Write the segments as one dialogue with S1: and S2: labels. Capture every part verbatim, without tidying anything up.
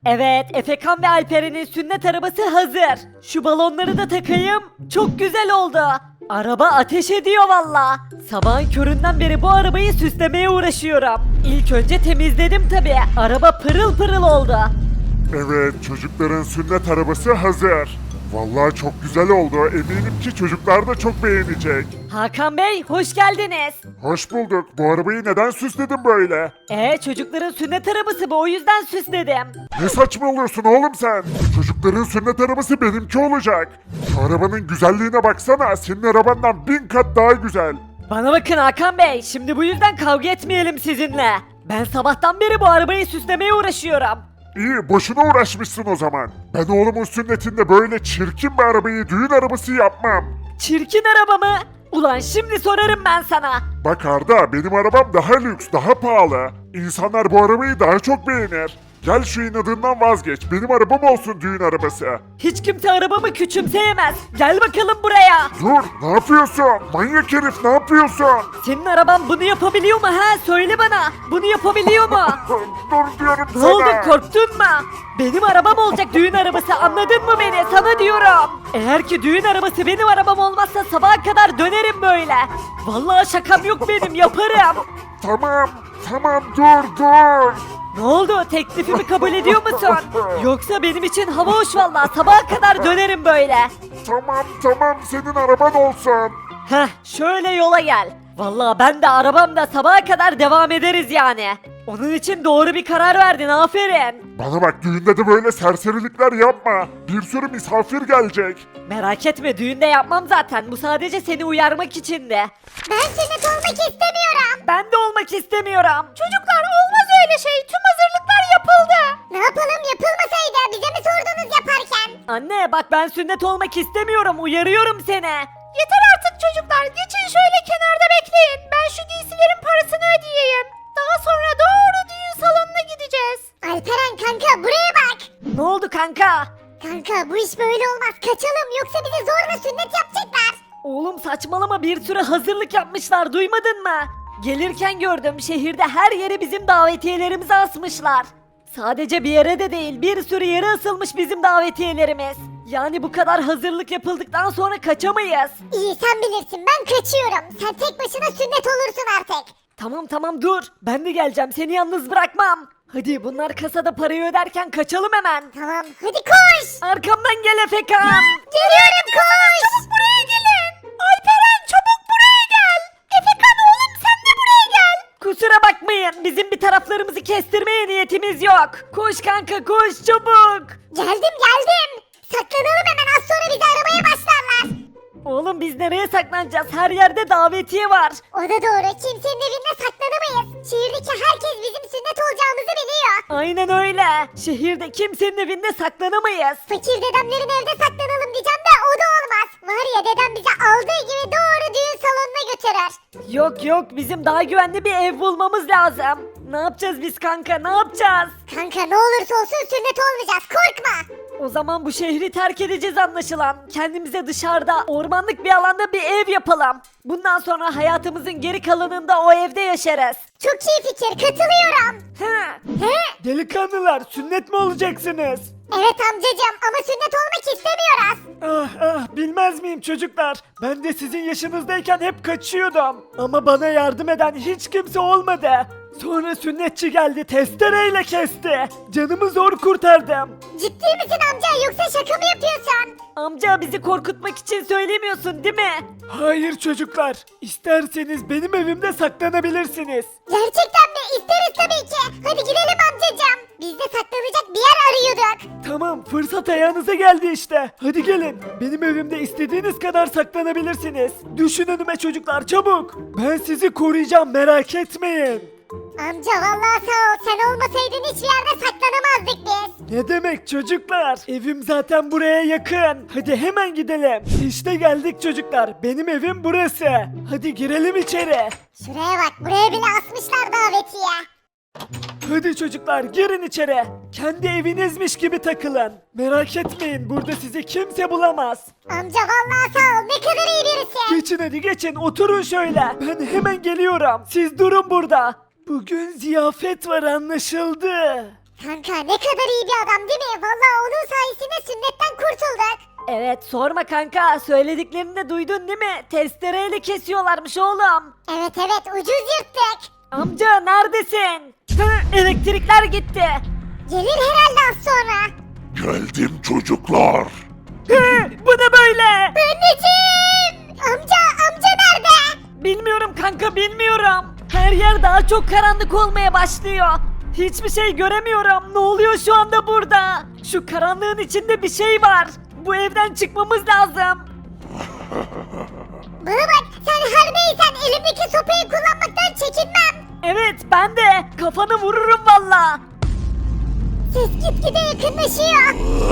S1: Evet, Efekan ve Alperen'in sünnet arabası hazır. Şu balonları da takayım. Çok güzel oldu. Araba ateş ediyor valla. Sabahın köründen beri bu arabayı süslemeye uğraşıyorum. İlk önce temizledim tabi. Araba pırıl pırıl oldu.
S2: Evet, çocukların sünnet arabası hazır. Vallahi çok güzel oldu. Eminim ki çocuklar da çok beğenecek.
S1: Hakan Bey, hoş geldiniz.
S2: Hoş bulduk. Bu arabayı neden süsledin böyle?
S1: Ee, çocukların sünnet arabası bu, o yüzden süsledim.
S2: Ne saçmalıyorsun oğlum sen? Çocukların sünnet arabası benimki olacak. Şu arabanın güzelliğine baksana. Senin arabandan bin kat daha güzel.
S1: Bana bakın Hakan Bey, şimdi bu yüzden kavga etmeyelim sizinle. Ben sabahtan beri bu arabayı süslemeye uğraşıyorum.
S2: İyi, boşuna uğraşmışsın o zaman. Ben oğlumun sünnetinde böyle çirkin bir arabayı düğün arabası yapmam.
S1: Çirkin araba mı? Ulan şimdi sorarım ben sana.
S2: Bak Arda, benim arabam daha lüks, daha pahalı. İnsanlar bu arabayı daha çok beğenir. Gel şu inadından vazgeç. Benim arabam olsun düğün arabası.
S1: Hiç kimse arabamı küçümseyemez. Gel bakalım buraya.
S2: Dur, ne yapıyorsun? Manyak herif, ne yapıyorsun?
S1: Senin araban bunu yapabiliyor mu ha? Söyle bana. Bunu yapabiliyor mu?
S2: Dur diyorum
S1: Ne
S2: sana.
S1: oldu, korktun mu? Benim arabam olacak düğün arabası, anladın mı beni? Sana diyorum. Eğer ki düğün arabası benim arabam olmazsa sabaha kadar dönerim böyle. Vallahi şakam yok, benim yaparım.
S2: Tamam, tamam, dur, dur.
S1: Ne oldu, teklifimi kabul ediyor musun? Yoksa benim için hava hoş vallahi, sabaha kadar dönerim böyle.
S2: Tamam, tamam, senin araban olsun.
S1: Heh, şöyle yola gel. Vallahi ben de arabamda sabaha kadar devam ederiz yani. Onun için doğru bir karar verdin, aferin.
S2: Bana bak, düğünde de böyle serserilikler yapma. Bir sürü misafir gelecek.
S1: Merak etme, düğünde yapmam zaten. Bu sadece seni uyarmak içindi.
S3: Ben sünnet olmak istemiyorum.
S1: Ben de olmak istemiyorum. Çocuklar, olmaz öyle şey. Tüm hazırlıklar yapıldı.
S3: Ne yapalım, yapılmasaydı bize mi sordunuz yaparken?
S1: Anne bak, ben sünnet olmak istemiyorum. Uyarıyorum seni.
S4: Yeter artık çocuklar. Geçin şöyle kenarda bekleyin. Ben şu giysilerin parasını ödeyeyim. Daha sonra doğru düğün salonuna gideceğiz.
S3: Alperen kanka buraya bak.
S1: Ne oldu kanka?
S3: Kanka bu iş böyle olmaz, kaçalım yoksa bize zorla sünnet yapacaklar.
S1: Oğlum saçmalama, bir sürü hazırlık yapmışlar, duymadın mı? Gelirken gördüm, şehirde her yere bizim davetiyelerimizi asmışlar. Sadece bir yere de değil, bir sürü yere asılmış bizim davetiyelerimiz. Yani bu kadar hazırlık yapıldıktan sonra kaçamayız.
S3: İyi sen bilirsin, ben kaçıyorum. Sen tek başına sünnet olursun artık.
S1: Tamam tamam dur, ben de geleceğim, seni yalnız bırakmam. Hadi bunlar kasada parayı öderken kaçalım hemen.
S3: Tamam hadi koş.
S1: Arkamdan gel Efekan.
S3: Geliyorum koş.
S4: Çabuk buraya gelin. Alperen çabuk buraya gel. Efekan oğlum sen de buraya gel.
S1: Kusura bakmayın, bizim bir taraflarımızı kestirmeye niyetimiz yok. Koş kanka koş çabuk.
S3: Geldim geldim. Saklanalım hemen, az sonra bizi aramaya başlarlar.
S1: Oğlum biz nereye saklanacağız? Her yerde davetiye var.
S3: O da doğru, kimsenin evinde saklanamayız. Şehirdeki herkes bizim sünnet olacağımızı biliyor.
S1: Aynen öyle. Şehirde kimsenin evinde saklanamayız.
S3: Fakir dedemlerin evde saklanalım diyeceğim de o da olmaz. Var ya, dedem bizi aldığı gibi doğru düğün salonuna götürür.
S1: Yok yok, bizim daha güvenli bir ev bulmamız lazım. Ne yapacağız biz kanka, ne yapacağız?
S3: Kanka ne olursa olsun sünnet olmayacağız, korkma.
S1: O zaman bu şehri terk edeceğiz anlaşılan. Kendimize dışarıda, ormanlık bir alanda bir ev yapalım. Bundan sonra hayatımızın geri kalanında o evde yaşarız.
S3: Çok iyi fikir, katılıyorum.
S1: He.
S3: He?
S1: Delikanlılar, sünnet mi olacaksınız?
S3: Evet amcacığım, ama sünnet olmak istemiyoruz.
S1: Ah ah, bilmez miyim çocuklar? Ben de sizin yaşınızdayken hep kaçıyordum. Ama bana yardım eden hiç kimse olmadı. Sonra sünnetçi geldi, testereyle kesti. Canımı zor kurtardım.
S3: Ciddi misin amca, yoksa şaka mı yapıyorsun?
S1: Amca, bizi korkutmak için söylemiyorsun değil mi? Hayır çocuklar. İsterseniz benim evimde saklanabilirsiniz.
S3: Gerçekten mi? İsteriz tabii ki. Hadi gidelim amcacığım. Biz de saklanacak bir yer arıyorduk.
S1: Tamam, fırsat ayağınıza geldi işte. Hadi gelin. Benim evimde istediğiniz kadar saklanabilirsiniz. Düşün önüme çocuklar, çabuk. Ben sizi koruyacağım, merak etmeyin.
S3: Amca vallahi sağ ol, sen olmasaydın hiçbir yerde saklanamazdık biz.
S1: Ne demek çocuklar? Evim zaten buraya yakın. Hadi hemen gidelim. İşte geldik çocuklar. Benim evim burası. Hadi girelim içeri.
S3: Şuraya bak, buraya bile asmışlar davetiye.
S1: Hadi çocuklar, girin içeri. Kendi evinizmiş gibi takılın. Merak etmeyin, burada sizi kimse bulamaz.
S3: Amca vallahi sağ ol, ne kadar iyi birisi.
S1: Geçin hadi geçin, oturun şöyle. Ben hemen geliyorum. Siz durun burada. Bugün ziyafet var, anlaşıldı.
S3: Kanka ne kadar iyi bir adam değil mi? Vallahi onun sayesinde sünnetten kurtulduk.
S1: Evet sorma kanka, söylediklerini de duydun değil mi? Testereyle kesiyorlarmış oğlum.
S3: Evet evet ucuz yırttık.
S1: Amca neredesin? Hı, elektrikler gitti.
S3: Gelir herhalde az sonra.
S2: Geldim çocuklar.
S1: Hı, bu ne böyle?
S3: Anneciğim! Amca amca nerede?
S1: Bilmiyorum kanka, bilmiyorum. Her yer daha çok karanlık olmaya başlıyor. Hiçbir şey göremiyorum. Ne oluyor şu anda burada? Şu karanlığın içinde bir şey var. Bu evden çıkmamız lazım.
S3: Bana bak sen her neysen elimdeki sopayı kullanmaktan çekinmem.
S1: Evet ben de. Kafanı vururum valla.
S3: Ses gitgide yakınlaşıyor.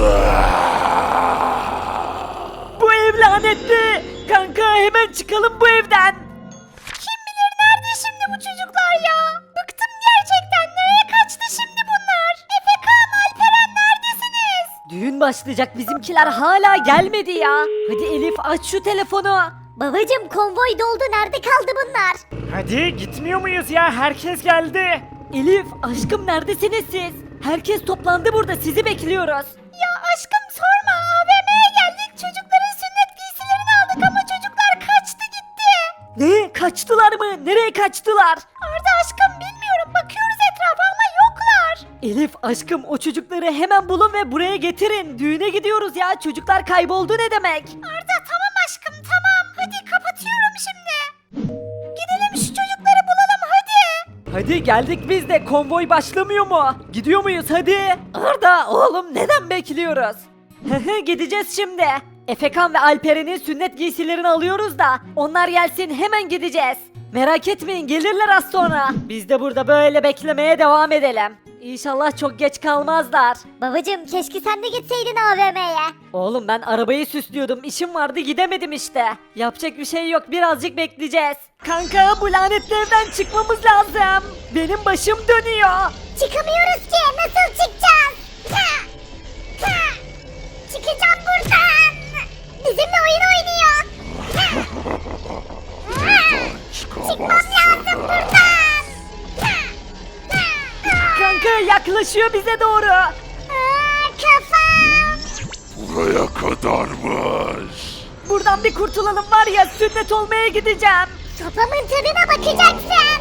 S1: Bu ev lanetli. Kanka hemen çıkalım bu evden.
S4: Kim bilir nerede şimdi bu çocuklar ya? Bıktım gerçekten. Nereye kaçtı şimdi bunlar? Efekan, Alperen neredesiniz?
S1: Düğün başlayacak, bizimkiler hala gelmedi ya. Hadi Elif aç şu telefonu.
S3: Babacım konvoy doldu nerede kaldı bunlar?
S1: Hadi gitmiyor muyuz ya? Herkes geldi. Elif aşkım neredesiniz siz? Herkes toplandı burada, sizi bekliyoruz.
S4: Ya aşkım sorma. A V M'ye geldik. Çocukların sünnet giysilerini aldık ama çocuklar kaçtı gitti.
S1: Ne? Kaçtılar mı? Nereye kaçtılar?
S4: Arda aşkım bilmiyorum. Bakıyoruz etrafa ama yoklar.
S1: Elif aşkım o çocukları hemen bulun ve buraya getirin. Düğüne gidiyoruz ya. Çocuklar kayboldu ne demek?
S4: Arda tamam aşkım tamam. Hadi kapatıyorum şimdi. Gidelim şu çocukları bulalım hadi.
S1: Hadi geldik biz de. Konvoy başlamıyor mu? Gidiyor muyuz hadi? Arda oğlum neden bekliyoruz? Gideceğiz şimdi. Efekan ve Alperen'in sünnet giysilerini alıyoruz da onlar gelsin hemen gideceğiz. Merak etmeyin gelirler az sonra. Biz de burada böyle beklemeye devam edelim. İnşallah çok geç kalmazlar.
S3: Babacım keşke sen de gitseydin A V M'ye.
S1: Oğlum ben arabayı süslüyordum. İşim vardı gidemedim işte. Yapacak bir şey yok, birazcık bekleyeceğiz. Kanka bu lanetli evden çıkmamız lazım. Benim başım dönüyor.
S3: Çıkamıyoruz ki nasıl çıkacağız? Ha! Ha! Çıkacağım buradan. Bizimle oyun oynuyor. Ha! Ha! Çıkmam lazım buradan. Ha! Ha! Ha!
S1: Kanka yaklaşıyor bize doğru.
S3: Aa, kafam.
S2: Buraya kadarmış.
S1: Buradan bir kurtulalım var ya, sünnet olmaya gideceğim.
S3: Sopamın tadına bakacaksın.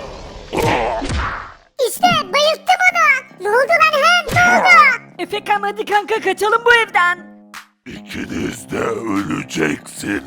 S3: İşte bayılttım onu. Ne oldu lan he? Ne oldu?
S1: Efekan hadi kanka kaçalım bu evden.
S2: İkiniz de öleceksiniz.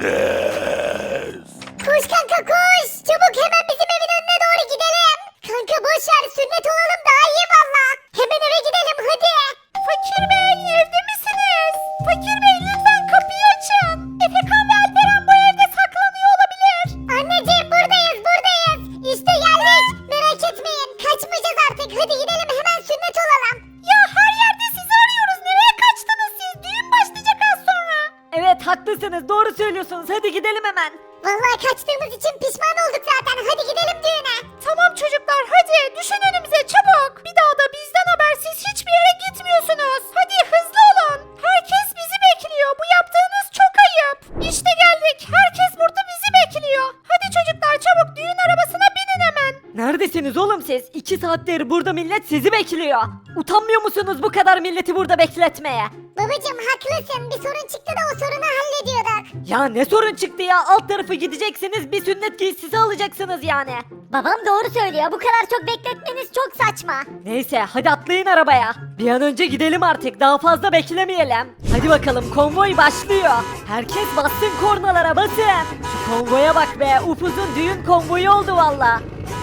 S3: Koş kanka koş. Çabuk hemen bizim evin önüne doğru gidelim. Kanka boş ver sünnet olalım daha iyi valla. Hemen eve gidelim hadi.
S4: Fakir Bey evde misiniz? Fakir Bey lütfen kapıyı açın. Efekan ve Alperen bu evde saklanıyor olabilir.
S3: Anneciğim buradayız buradayız. İşte geldik. Merak etmeyin. Kaçmayacağız artık. Hadi gidelim hemen sünnet olalım.
S4: Ya her yerde sizi arıyoruz. Nereye kaçtınız siz? Düğün başlayacak az sonra.
S1: Evet haklısınız, doğru söylüyorsunuz, hadi gidelim hemen.
S3: Vallahi kaçtığımız için pişman olduk zaten. Hadi gidelim düğüne.
S4: Tamam çocuklar hadi düşün önümüze çabuk. Bir daha da bizden habersiz hiçbir yere gitmiyorsunuz. Hadi hızlı olun. Herkes bizi bekliyor. Bu yaptığınız çok ayıp. İşte geldik. Herkes burada bizi bekliyor. Hadi çocuklar çabuk düğün arabasına binin hemen.
S1: Neredesiniz oğlum siz? İki saattir burada millet sizi bekliyor. Utanmıyor musunuz bu kadar milleti burada bekletmeye?
S3: Babacım haklısın. Bir sorun çıktı da o sorunu hallediyorduk.
S1: Ya ne sorun çıktı ya? Alt tarafı gideceksiniz, bir sünnet giysisi alacaksınız yani.
S3: Babam doğru söylüyor. Bu kadar çok bekletmeniz çok saçma.
S1: Neyse hadi atlayın arabaya. Bir an önce gidelim artık, daha fazla beklemeyelim. Hadi bakalım konvoy başlıyor. Herkes bassın kornalara, basın. Şu konvoya bak be, upuzun düğün konvoyu oldu valla.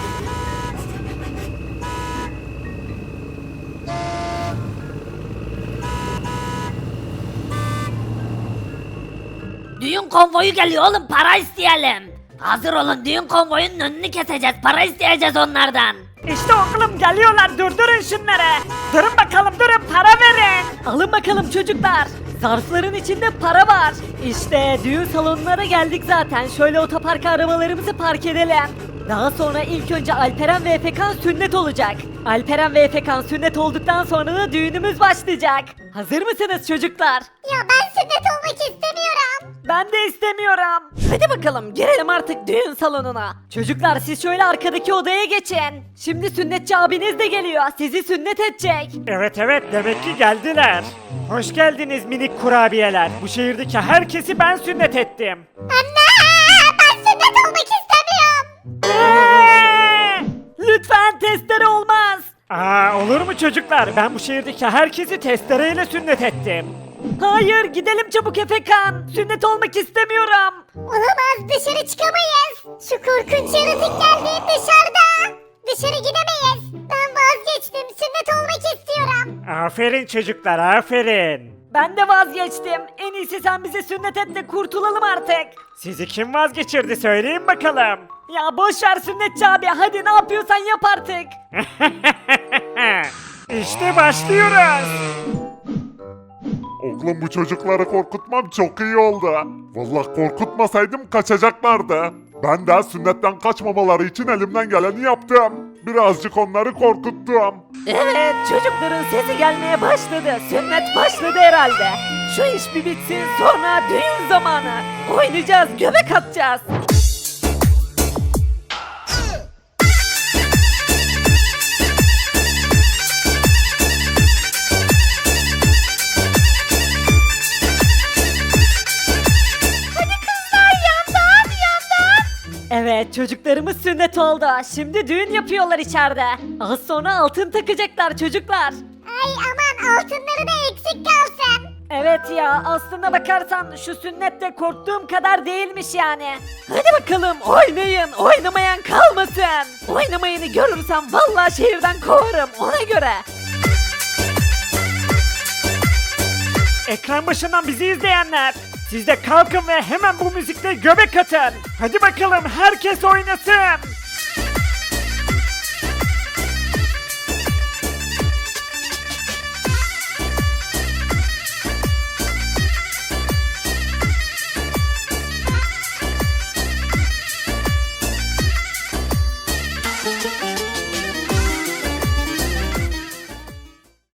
S5: Düğün konvoyu geliyor oğlum, para isteyelim. Hazır olun, düğün konvoyunun önünü keseceğiz, para isteyeceğiz onlardan.
S1: İşte oğlum geliyorlar, durdurun şunları. Durun bakalım, durun, para verin. Alın bakalım çocuklar. Zarfların içinde para var. İşte düğün salonuna geldik zaten. Şöyle otoparka arabalarımızı park edelim. Daha sonra ilk önce Alperen ve Efekan sünnet olacak. Alperen ve Efekan sünnet olduktan sonra da düğünümüz başlayacak. Hazır mısınız çocuklar?
S3: Ya ben sünnet olmak istemiyorum.
S1: Ben de istemiyorum. Hadi bakalım girelim artık düğün salonuna. Çocuklar siz şöyle arkadaki odaya geçin. Şimdi sünnetçi abiniz de geliyor. Sizi sünnet edecek.
S6: Evet evet demek ki geldiler. Hoş geldiniz minik kurabiyeler. Bu şehirdeki herkesi ben sünnet ettim.
S3: Anne ben sünnet olmak istemiyorum.
S1: Lütfen testere olmaz.
S6: Aa olur mu çocuklar? Ben bu şehirdeki herkesi testereyle sünnet ettim.
S1: Hayır gidelim çabuk Efekan. Sünnet olmak istemiyorum.
S3: Olamaz dışarı çıkamayız. Şu korkunç yaratık geldi dışarıda. Dışarı gidemeyiz. Ben vazgeçtim sünnet olmak istiyorum.
S6: Aferin çocuklar aferin.
S1: Ben de vazgeçtim. En iyisi sen bize sünnet et de kurtulalım artık.
S6: Sizi kim vazgeçirdi söyleyin bakalım.
S1: Ya boş ver sünnetçi abi. Hadi ne yapıyorsan yap artık.
S6: İşte başlıyoruz.
S2: Oğlum bu çocukları korkutmam çok iyi oldu. Vallahi korkutmasaydım kaçacaklardı. Ben de sünnetten kaçmamaları için elimden geleni yaptım. Birazcık onları korkuttum.
S1: Evet çocukların sesi gelmeye başladı. Sünnet başladı herhalde. Şu iş bir bitsin sonra düğün zamanı. Oynayacağız göbek atacağız. Evet çocuklarımız sünnet oldu. Şimdi düğün yapıyorlar içeride. Az sonra altın takacaklar çocuklar.
S3: Ay aman altınları da eksik kalsın.
S1: Evet ya aslına bakarsan şu sünnet de korktuğum kadar değilmiş yani. Hadi bakalım oynayın oynamayan kalmasın. Oynamayanı görürsem vallahi şehirden kovarım ona göre.
S6: Ekran başından bizi izleyenler. Siz de kalkın ve hemen bu müzikle göbek atın. Hadi bakalım herkes oynasın.